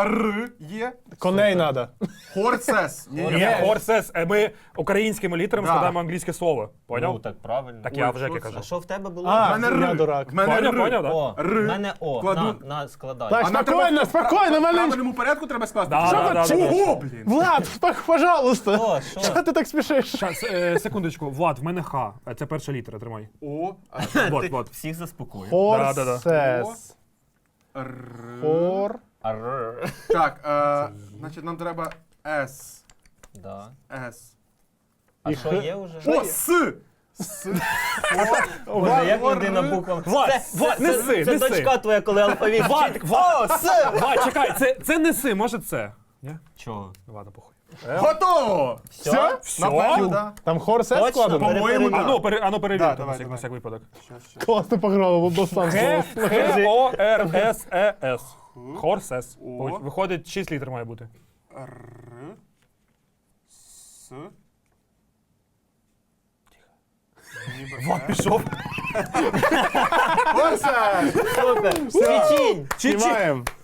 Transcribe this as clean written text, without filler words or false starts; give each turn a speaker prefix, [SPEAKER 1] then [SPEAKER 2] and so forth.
[SPEAKER 1] Р є.
[SPEAKER 2] Коней надо.
[SPEAKER 1] Хорсес.
[SPEAKER 3] Ні, хорсес. Ми українськими літерами складаємо англійське слово. Поняв?
[SPEAKER 4] Ну, так правильно.
[SPEAKER 3] Так я вже як я
[SPEAKER 4] А
[SPEAKER 3] кажу.
[SPEAKER 4] що в тебе було?
[SPEAKER 2] А,
[SPEAKER 1] мене
[SPEAKER 2] я
[SPEAKER 1] Р.
[SPEAKER 2] дурак.
[SPEAKER 1] В мене
[SPEAKER 3] Поняв,
[SPEAKER 1] Р.
[SPEAKER 3] поняв, так?
[SPEAKER 4] О,
[SPEAKER 1] Р.
[SPEAKER 4] в мене О.
[SPEAKER 1] Кладу.
[SPEAKER 4] На, складай.
[SPEAKER 2] Так,
[SPEAKER 1] А нам
[SPEAKER 2] спокійно,
[SPEAKER 1] треба
[SPEAKER 2] спокійно,
[SPEAKER 1] в
[SPEAKER 2] мене...
[SPEAKER 1] правильному порядку треба скласти.
[SPEAKER 3] Да.
[SPEAKER 1] Чого, блін?
[SPEAKER 2] Влад, пожалуйста.
[SPEAKER 4] О, що?
[SPEAKER 2] Чого ти так спішиш?
[SPEAKER 3] Щас, секундочку. Влад, в мене Х. Це перша літера, тримай.
[SPEAKER 1] О,
[SPEAKER 3] Вот.
[SPEAKER 4] Всіх заспокоює.
[SPEAKER 2] Хорсес.
[SPEAKER 1] Р.
[SPEAKER 2] Хор...
[SPEAKER 4] Арр.
[SPEAKER 1] Так, значить нам треба С.
[SPEAKER 4] Да.
[SPEAKER 1] С.
[SPEAKER 4] А
[SPEAKER 2] І
[SPEAKER 4] що
[SPEAKER 2] Х.
[SPEAKER 4] є вже?
[SPEAKER 1] О, С. С.
[SPEAKER 4] Боже, як людина буквами.
[SPEAKER 3] Влад, неси,
[SPEAKER 4] Це
[SPEAKER 3] неси.
[SPEAKER 4] дочка твоя, коли алфавіт вчить. О, С!
[SPEAKER 3] Влад, чекай, це неси, може це? Ні?
[SPEAKER 4] Чого?
[SPEAKER 3] Ладно, похуй.
[SPEAKER 1] Готово!
[SPEAKER 4] Все?
[SPEAKER 1] Напевно, да.
[SPEAKER 2] Там хорсес
[SPEAKER 4] Точно?
[SPEAKER 2] складено?
[SPEAKER 1] По-моєму, да.
[SPEAKER 3] Ану, перевір,
[SPEAKER 1] Да,
[SPEAKER 3] на
[SPEAKER 1] давай,
[SPEAKER 3] всяк- на
[SPEAKER 1] давай.
[SPEAKER 3] всяк випадок.
[SPEAKER 2] Класно пограли, бо сам
[SPEAKER 3] Х-О-Р-С-Е-С. Хорсес.
[SPEAKER 1] О.
[SPEAKER 3] Виходить, 6 літер має бути.
[SPEAKER 1] Р. С.
[SPEAKER 3] Влад пішов.
[SPEAKER 1] Хорсес!
[SPEAKER 4] Супер! Печінь!
[SPEAKER 2] Знімаємо.